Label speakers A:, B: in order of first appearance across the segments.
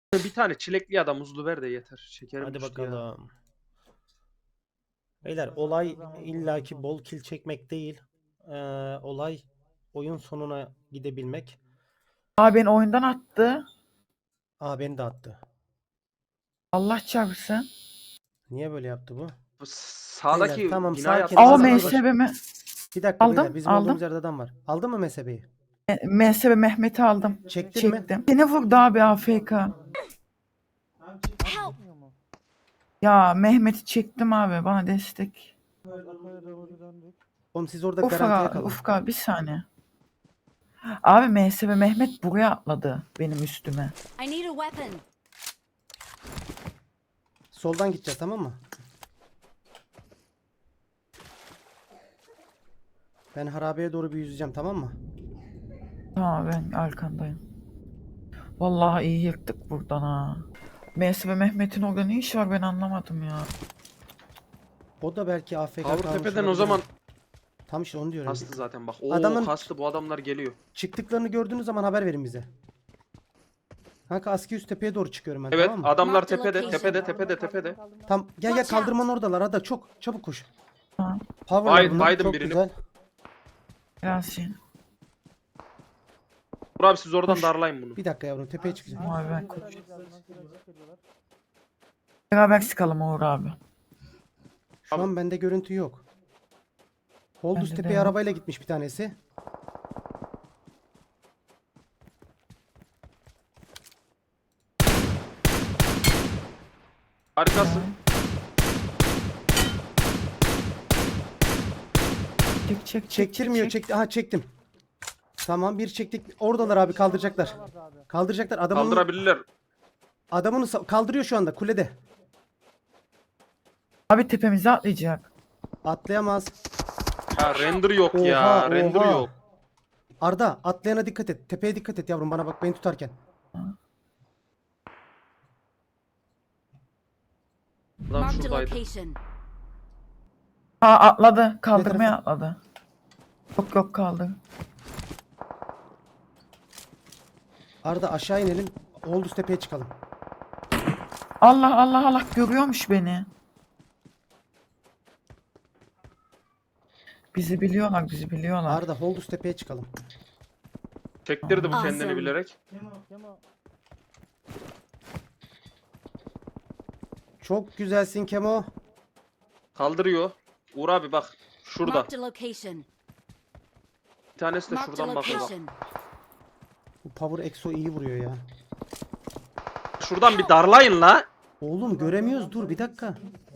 A: Bir tane çilekli ya da muzlu ver de yeter. Şekerim
B: Hadi
A: düştü ya.
B: bakalım. Beyler olay illaki bol kill çekmek değil. Olay oyun sonuna gidebilmek.
C: Abi beni oyundan attı.
B: Aa, beni de attı.
C: Allah çarpsın.
B: Niye böyle yaptı bu?
A: Bu sağdaki
B: Beyler, tamam,
A: binaya
B: sakin.
C: Ama
B: Az
A: atlasana.
B: bir baş-
C: MSB'mi
B: Bir dakika
C: aldım,
B: beyler, bizim
C: aldım.
B: olduğumuz yerde adam var. Aldın mı MSB'yi?
C: MSB Mehmet'i aldım.
B: Çektin mi?
C: Çektim. Seni vurdu abi AFK. Ya Mehmet'i çektim abi, bana destek.
B: Oğlum siz orada garantiye kalın.
C: Ufka bir saniye. Abi MSB Mehmet buraya atladı benim üstüme.
D: I need a weapon.
B: Soldan gideceğiz, tamam mı? Ben harabeye doğru bir yüzeceğim, tamam mı?
C: Tamam, ben arkandayım. Vallahi iyi yırttık buradan ha. MSB Mehmet'in orada ne işi var, ben anlamadım ya.
B: O da belki AFK
A: Avru
B: kalmış
A: tepeden o
B: olabilir.
A: zaman
B: Tam işte onu diyorum.
A: kastı zaten bak. Oo
B: Adamın-
A: kastı, bu adamlar geliyor.
B: Çıktıklarını gördüğünüz zaman haber verin bize. Kanka Aski üst tepeye doğru çıkıyorum ben,
A: Evet
B: tamam mı?
A: adamlar
D: Mark the
A: tepede
D: location.
A: tepede.
B: Tam gel
D: Watch
B: kaldırmanın oradalar. Hadi çok çabuk koş.
C: Tamam.
B: Power'lar bunlar,
A: baydım
B: çok
A: birini.
B: güzel.
C: Biraz şey.
A: Uğur abi siz oradan
C: Koş.
A: darlayın bunu.
B: Bir dakika yavrum, tepeye çıkacağım.
C: Abi ben koşuyorum. Beraber sıkalım Uğur abi.
B: Şu
A: Abi-
B: an bende görüntü yok. Holdus
C: Bende de
B: tepeye
C: yok.
B: arabayla gitmiş bir tanesi.
A: Harikasın.
C: Çek.
B: Çektirmiyor, çekti. Aha, çektim. Tamam, bir çektik. Oradalar abi, kaldıracaklar. Kaldıracaklar.
A: Kaldırabilirler.
B: Kaldırıyor şu anda kulede.
C: Abi tepemize atlayacak.
B: Atlayamaz.
A: Ya render yok
B: Oha,
A: ya. Render
B: oha.
A: yok.
B: Arda, atlayana dikkat et. Tepeye dikkat et yavrum, bana bak, beni tutarken.
A: Adam
D: Marked a
A: şuradaydı.
D: location.
C: Ha, atladı. Kaldırmaya
B: Ne
C: atladı. Yok kaldı.
B: Arda, aşağı inelim. Holdus tepeye çıkalım.
C: Allah görüyormuş beni. Bizi biliyorlar.
B: Arda, Holdus tepeye çıkalım.
A: Çektirdi bu kendini
D: Awesome.
A: bilerek.
B: Çok güzelsin Kemo.
A: Kaldırıyor. Uğur abi bak. Şurada.
D: Marked a location.
A: Bir tanesi de
D: Marked a
A: şuradan bakıyor bak.
D: location.
B: Bu Power Exo iyi vuruyor ya.
A: Şuradan bir darlayın la.
B: Oğlum göremiyoruz, dur bir dakika.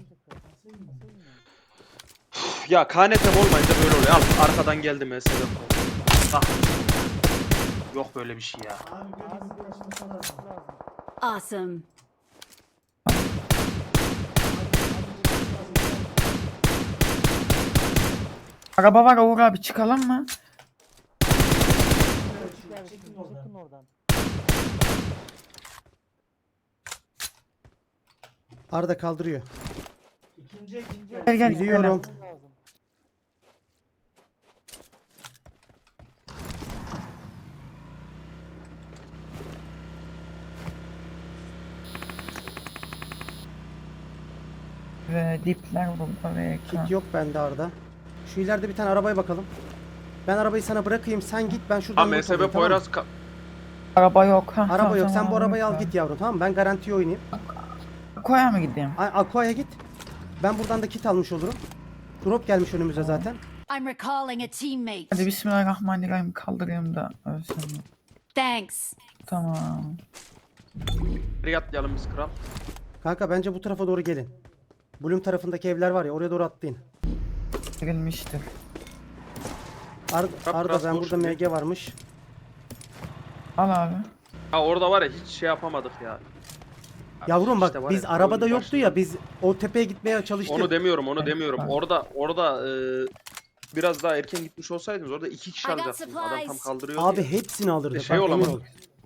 A: Ya KNT'm olmayınca böyle oluyor. Al arkadan geldi mesela. Bak. Yok böyle bir şey ya.
D: Awesome.
C: Araba var Uğur abi, çıkalım mı?
B: Arda kaldırıyor.
C: Gel
B: Biliyorum.
C: Ve dipler burada ve ekran.
B: Kit yok bende Arda. Şu ileride bir tane arabaya bakalım. Ben arabayı sana bırakayım, sen git, ben şuradan
A: Ha
B: loot alayım,
A: MSB
B: tamam mı?
A: Poyraz
C: Araba yok. Ha,
B: Araba yok, sen
C: tamam,
B: bu arabayı al
C: yok.
B: git yavrum, tamam mı? Ben garantiye oynayayım.
C: Koya mı gideyim?
B: Aqua'ya git. Ben buradan da kit almış olurum. Drop gelmiş önümüze zaten.
D: I'm recalling a teammate.
C: Hadi bismillahirrahmanirrahim, kaldırayım da ölsün.
D: Thanks.
C: Tamam.
A: bir atlayalım biz kral.
B: Kanka bence bu tarafa doğru gelin. Bloom tarafındaki evler var ya, oraya doğru atlayın.
C: Girilmiştir.
A: Kap
B: Arda,
A: biraz
B: ben
A: dur
B: burada
A: şimdi.
B: MG varmış.
C: Al abi.
A: Ha orada var ya hiç şey yapamadık ya.
B: Yavrum bak,
A: İşte var
B: biz
A: ya,
B: arabada
A: oyun
B: yoktu ya, biz o tepeye gitmeye çalıştık.
A: Onu demiyorum
C: Evet.
A: Orada biraz daha erken gitmiş olsaydınız orada 2 kişi
D: I got
A: alacaksınız. Adam tam
D: supplies.
A: kaldırıyor
B: Abi
A: diye.
B: hepsini alırdık.
A: Şey
B: bak, emin
A: olamadı.
B: ol.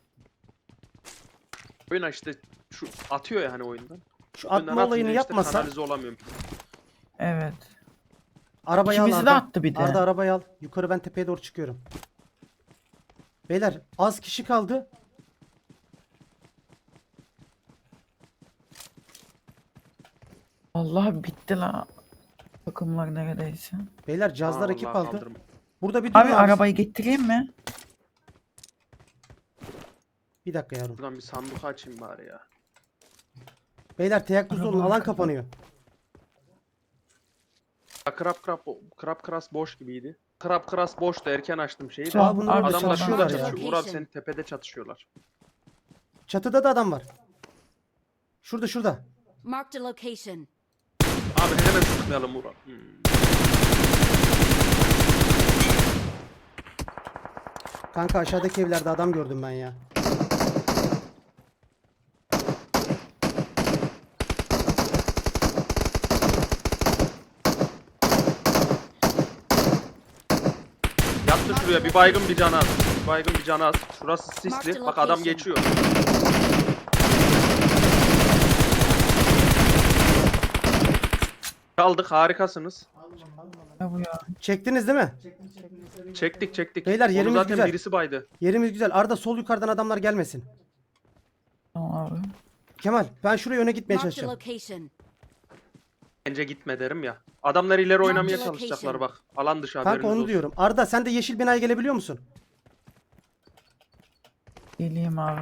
A: Oyuna işte şu atıyor ya hani oyundan.
B: Şu
A: Oyundan
B: atma
A: atınca
B: olayını
A: işte
B: yapmasa
A: kanalize olamıyorum.
C: Evet.
B: arabayı al
C: İkimizi de
B: Arda.
C: attı bir de.
B: Arda, arabayı al. Yukarı, ben tepeye doğru çıkıyorum. Beyler az kişi kaldı.
C: Allah bitti la. Takımlar neredeyse.
B: Beyler cihazlar
A: Aa,
B: ekip
A: vallahi
B: aldı.
A: kaldırım.
B: Burada bir durun
C: Abi arabayı getireyim mi?
B: Bir dakika yavrum.
A: Buradan bir sandık açayım bari ya.
B: Beyler teyakkuzda olun,
C: Araba
B: alan
C: arkada.
B: kapanıyor.
A: Ya, Krap Kras boş gibiydi. Krap Kras boştu, erken açtım şeyi de.
C: Tamam,
B: Aa, bunlar orada
C: abi,
A: Adamlar
B: çalışıyorlar
A: şurada
B: ya.
A: çatışıyor. Uğur abi senin tepede çatışıyorlar.
B: Çatıda da adam var. Şurada.
D: Marked a location.
A: Abi hemen sıkmayalım Uğur abi.
B: Kanka aşağıdaki evlerde adam gördüm ben ya.
A: Yattı şuraya, bir baygın bir canı az. Bir baygın bir canı az. Şurası sisli. Bak adam geçiyor. Kaldık, harikasınız.
C: Ne bu ya?
B: Çektiniz değil mi?
A: Çektik.
B: Beyler,
A: Onu
B: yerimiz
A: zaten
B: güzel.
A: birisi baydı.
B: Yerimiz güzel. Arda sol yukarıdan adamlar gelmesin.
C: Tamam abi.
B: Kemal ben şuraya öne gitmeye
D: Marked a
B: çalışacağım.
D: location.
A: Bence gitme derim ya. Adamlar ileri oynamaya
D: Marked
A: çalışacaklar
D: location.
A: bak. Alan dışı haberiniz
B: Kanka onu
A: olsun.
B: diyorum. Arda sen de yeşil binaya gelebiliyor musun?
C: Geleyim abi.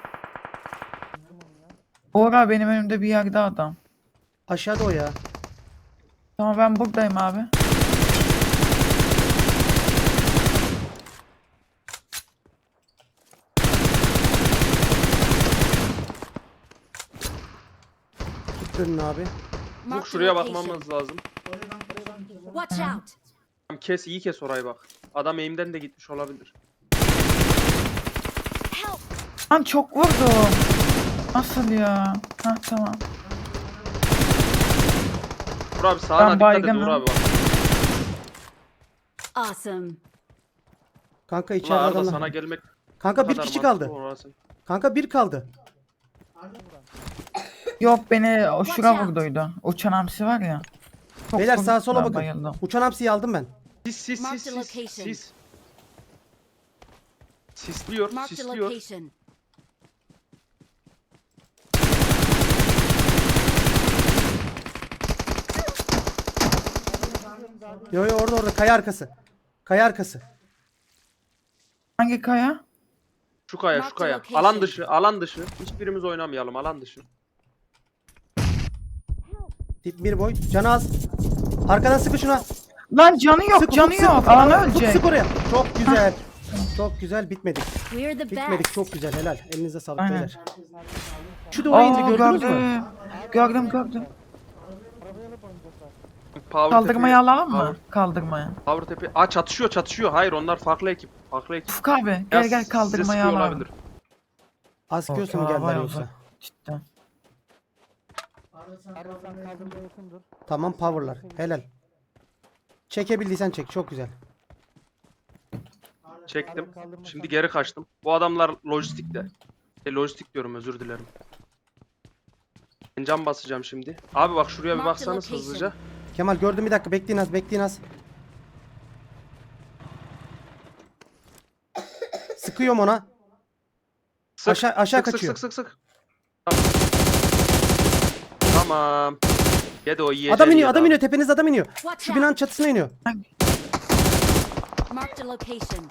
C: Ora benim önümde bir yerde adam.
B: Aşağıda o ya.
C: Tamam ben buradayım abi.
B: Git dönün abi.
A: Ufuk
D: Marked a
A: şuraya
D: location.
A: bakmamız lazım.
D: Watch out.
A: Tamam, kes, iyi kes orayı bak. Adam eğimden de gitmiş olabilir.
D: Help.
C: Lan çok vurdum. Nasıl ya? Hah tamam.
A: Uğur abi sağına
C: Ben
A: dikkat et
C: baygınım.
A: Uğur abi bak.
D: Awesome.
B: Kanka
A: Ulan
B: içeride
A: Arda
B: adamlar.
A: sana gelmek
B: Kanka bir
A: kadar
B: kişi
A: mantıklı
B: kaldı.
A: orası.
B: Kanka bir kaldı.
C: Yok beni o
D: Watch
C: şura
D: out.
C: vurduydu. Uçan hamsi var ya. Çok
B: Beyler
C: vurdu,
B: sağa sola
C: ben
B: bakın.
C: bayıldım.
B: Uçan hamsiyi aldım ben.
A: Sis.
D: Marked a location.
A: Sisliyor,
D: Marked a
A: sisliyor.
D: location.
B: Yo orada kaya arkası. Kaya arkası.
C: Hangi kaya?
A: Şu kaya, şu
D: Marked
A: kaya.
D: location.
A: Alan dışı. Hiçbirimiz oynamayalım, alan dışı.
B: Tip bir boy. Canı az. Arkadan sıkı şuna.
C: Lan canı yok,
B: Sık,
C: canı
B: Ufuk,
C: yok.
B: sık,
C: Alan
B: Ufuk,
C: ölecek.
B: sık oraya. Çok güzel. Çok güzel, bitmedik.
D: We're the
B: Bitmedik,
D: best.
B: çok güzel, helal. Elinize sağlık
C: Aynen.
B: beyler. Şu duvarı indi, gördünüz mü?
C: Gördüm.
A: Power
C: Kaldırmayı
A: tepe-
C: alalım mı? Kaldırmayı.
A: Power tepe. Aa, çatışıyor. Hayır, onlar farklı ekip.
C: Ufuk abi
A: Ya,
C: gel
A: size
C: kaldırmayı
A: sıkıyor
C: alalım.
A: olabilir.
B: Askıyorsa mı
C: Orta
B: geldiler
C: var
B: yoksa?
C: uzak. Cidden.
B: Tamam, powerlar. Helal. Çekebildiysen çek, çok güzel.
A: Çektim. Şimdi geri kaçtım. Bu adamlar lojistikte. Lojistik diyorum, özür dilerim. Ben cam basacağım şimdi. Abi bak şuraya bir
D: Mark the
A: baksanız
D: location.
A: hızlıca.
B: Kemal gördüm, bir dakika, bekleyin az. Sıkıyorum ona.
A: Sık.
B: Aşağı
A: sık,
B: kaçıyor.
A: Sık. Tamam. Yedi o yiyeceğini
B: Adam iniyor,
A: yedi
B: adam
A: abi.
B: iniyor, tepenizde adam iniyor.
D: Watch
B: Şu binanın
D: out.
B: çatısına iniyor.
D: Marked a location.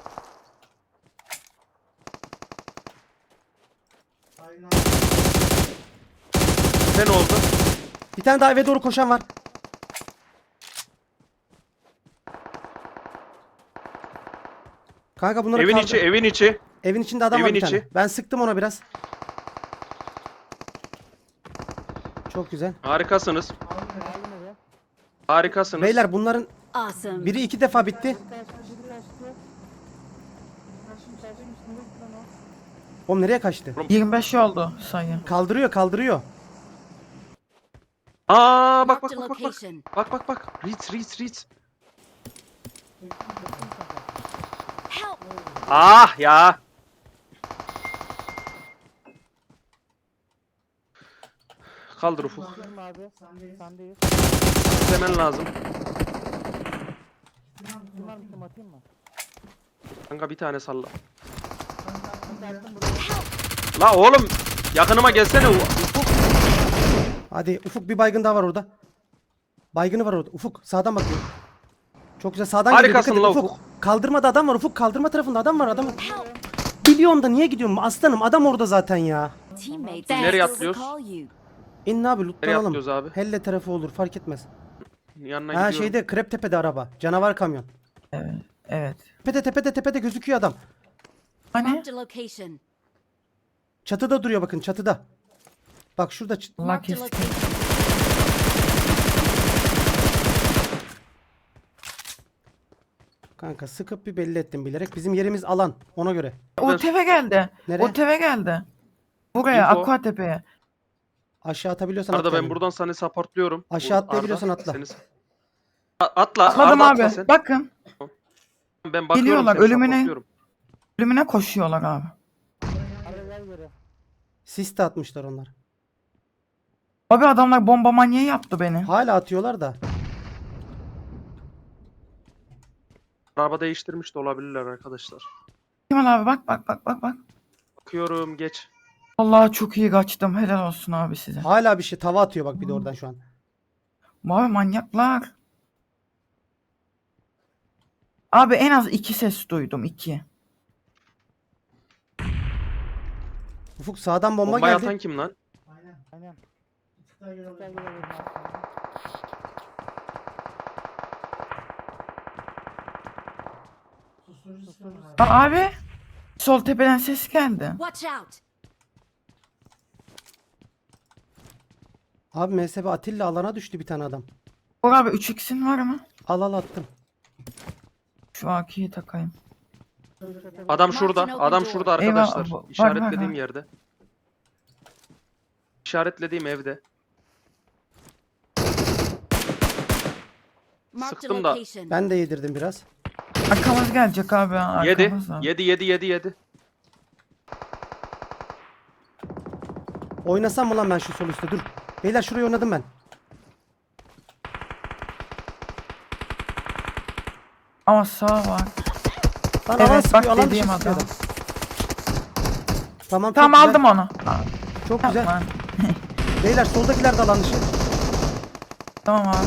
A: Ne oldu?
B: Bir tane daha eve doğru koşan var. Kanka bunları
A: Evin
B: kaldır.
A: içi, evin içi.
B: Evin içinde adam var
A: Evin
B: bir tane.
A: içi.
B: Ben sıktım ona biraz. Çok güzel.
A: Harikasınız. Harikasınız.
B: Beyler bunların
D: Awesome.
B: biri 2 defa bitti. Oğlum nereye kaçtı?
C: 25 oldu sayı.
B: Kaldırıyor.
A: Aa bak
D: Marked a
A: bak.
D: location.
A: Bak. Reach.
D: Help.
A: Ah ya. Kaldır Ufuk. Hemen lazım. Kanka bir tane salla. La oğlum yakınıma gelsene Ufuk.
B: Hadi Ufuk, bir baygın daha var orada. Baygını var orada. Ufuk sağdan bakıyor. Çok güzel sağdan geliyor.
A: Harikasın
B: Dikkat et,
A: la
B: Ufuk.
A: Ufuk.
B: Kaldırmada adam var Ufuk. Kaldırma tarafında adam var. Adam. Biliyorum da niye gidiyorum aslanım? Adam orada zaten ya.
D: Teammates
A: Nereye
D: will
A: atlıyoruz?
D: recall you.
B: İn abi
A: Nereye
B: lootlanalım.
A: atlıyoruz abi?
B: Helle tarafı olur fark etmez.
A: Yanına
B: Ha
A: gidiyorum.
B: şeyde Kreptepe'de araba. Canavar kamyon.
C: Evet. Evet.
B: Tepede gözüküyor adam.
C: Hani?
D: Marked a location.
B: Çatıda duruyor bakın çatıda. Bak şurada
C: Allah
D: Marked a
C: keskin.
D: location.
B: kanka sıkıp bir belli ettim bilerek. Bizim yerimiz alan ona göre.
C: O teve geldi.
B: Nereye?
C: O teve geldi. Buraya
A: Info.
C: Aquatepe'ye.
B: Aşağı atabiliyorsan
A: Arada
B: at
A: ben
B: yani.
A: buradan seni supportluyorum.
B: Aşağı
A: Arda,
B: atlayabiliyorsan atla.
A: Atla.
C: Atladım
A: Arda
C: abi.
A: atla sen.
C: Bakın.
A: Ben bakıyorum
C: Geliyorlar,
A: seni
C: ölümüne.
A: supportluyorum.
C: Ölümüne koşuyorlar abi.
B: Sis de atmışlar onlar.
C: Abi adamlar bomba manyağı yaptı beni.
B: Hala atıyorlar da.
A: Araba değiştirmiş de olabilirler arkadaşlar.
C: Kemal abi bak.
A: Bakıyorum geç.
C: Vallahi çok iyi kaçtım. Helal olsun abi size.
B: Hala bir şey tava atıyor bak bir de oradan şu an.
C: Abi manyaklar. Abi en az 2 ses duydum. 2.
B: Ufuk sağdan bomba
A: Bombayı
B: geldi.
A: atan kim lan?
C: Abi. Sol tepeden ses geldi.
D: Watch out.
B: Abi MSB Atilla alana düştü bir tane adam.
C: Bak abi 3x'in var mı?
B: Al attım.
C: Şu AK'yi takayım.
A: Adam şurada. Adam şurada arkadaşlar.
C: Eyvah, var,
A: İşaretlediğim
C: var.
A: yerde. İşaretlediğim evde.
D: Marked a
A: Sıktım da.
D: location.
B: Ben de yedirdim biraz.
C: Arkamız gelecek abi.
A: Yedi.
C: Arkamız var.
A: Yedi.
B: Oynasam mı lan ben şu sol üstte dur. Beyler şurayı oynadım ben.
C: Ama sağ var.
B: Lan
C: Evet,
B: alan
C: bak
B: sıkıyor alan
C: dediğim
B: dışı sıkıyor
C: adam.
B: adam. Tamam çok
C: Tamam
B: güzel.
C: aldım onu.
B: Çok güzel.
C: Tamam.
B: Beyler soldakiler de alan dışı.
C: Tamam abi.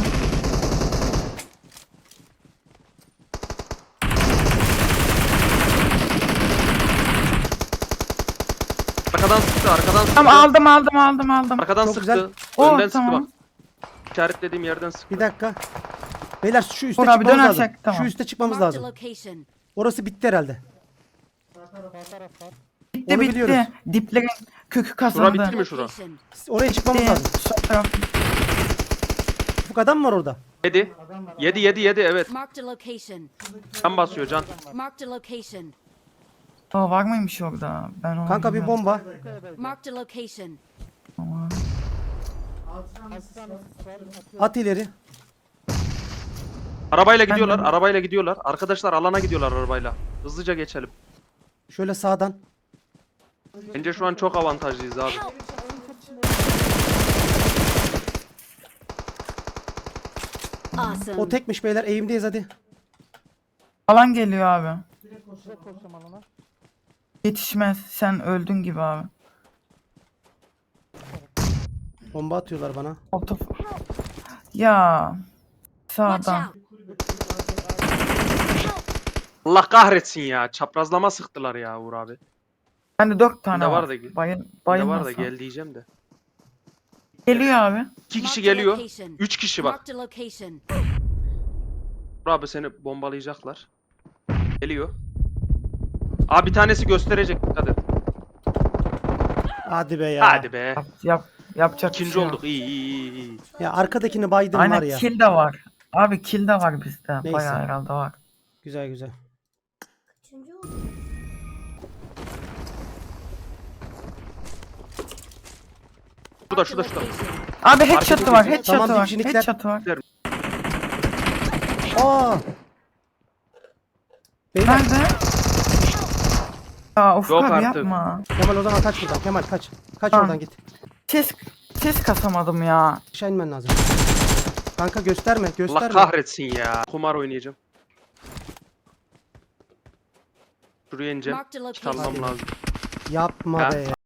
A: Arkadan sıktı. Arkadan sıktı.
C: Tamam aldım.
A: Arkadan
B: Çok
A: sıktı.
B: güzel.
C: Oh,
A: Önden sıktı
C: tamam.
A: bak. İşaretlediğim yerden sıktı.
B: Bir dakika. Beyler şu üste
C: Dur abi,
B: çıkmamız lazım.
C: dönersek, tamam.
B: Şu üste çıkmamız
D: Marked a
B: lazım.
D: location.
B: Orası bitti herhalde.
C: Bitti
B: Onu
C: bitti.
B: biliyoruz.
C: Diplerin kökü
A: Şura
C: kazandı.
A: bitti mi şura?
D: Location.
B: Oraya çıkmamız
C: Bitti.
B: lazım.
C: Sol taraf.
B: Bu adam mı var orada?
A: Yedi evet.
D: Marked a location.
A: Can basıyor can.
D: Marked a location.
C: Aa, var mıymış orada? Ben onu
B: Kanka bir
C: bilmiyorum.
B: bomba.
D: Marked a location.
C: Tamam.
B: At ileri.
A: Arabayla gidiyorlar.
C: de-
A: Arabayla gidiyorlar. Arkadaşlar alana gidiyorlar arabayla. Hızlıca geçelim.
B: Şöyle sağdan.
A: Bence şu an çok avantajlıyız abi.
D: Help. Awesome.
B: O tekmiş beyler eğimdeyiz hadi.
C: Alan geliyor abi. Yetişmez. Sen öldün gibi abi.
B: Bomba atıyorlar bana.
C: Otof. Ya.
D: Watch
C: Sağdan.
D: out.
A: Allah kahretsin ya. Çaprazlama sıktılar ya Uğur abi.
C: Bende 4 tane
A: Bende
C: var.
A: var da- Bir
C: Bayıl,
A: de var da
C: bayılmasam.
A: gel diyeceğim de.
C: Geliyor abi.
A: 2 kişi
D: Marked a
A: geliyor.
D: location.
A: 3 kişi bak.
D: Marked a location.
A: Uğur abi seni bombalayacaklar. Geliyor. Abi bir tanesi gösterecek dikkat et.
B: Hadi be ya.
A: Hadi be.
C: Yapacak bir
A: İkinci
C: şey yok.
A: olduk. İyi.
B: Ya arkadakini baydım
C: Aynen
B: var ya.
C: kill de var. Abi kill de var bizde.
B: Neyse.
C: Bayağı herhalde var.
B: Güzel güzel.
A: Şurada
D: Marked a
A: şurada.
D: location.
C: Abi headshot'ı var.
A: Tamam,
C: Headshot'ı var.
B: dipçilikler.
C: Headshot'ı var.
B: Aa. Beyler
C: Nerede? Ya Ufuk
A: Yok
C: abi
A: artık.
C: yapma.
B: Kemal o zaman kaç buradan. Kemal kaç. Kaç
C: Tamam.
B: oradan git.
C: Ses kasamadım ya.
B: Aşağı inmen lazım. Kanka gösterme
A: Allah
B: gösterme.
A: kahretsin ya. Kumar oynayacağım. Şuraya ineceğim.
D: Marked a location.
A: Çalmam lazım.
B: Yapma
A: Ha?
B: be ya.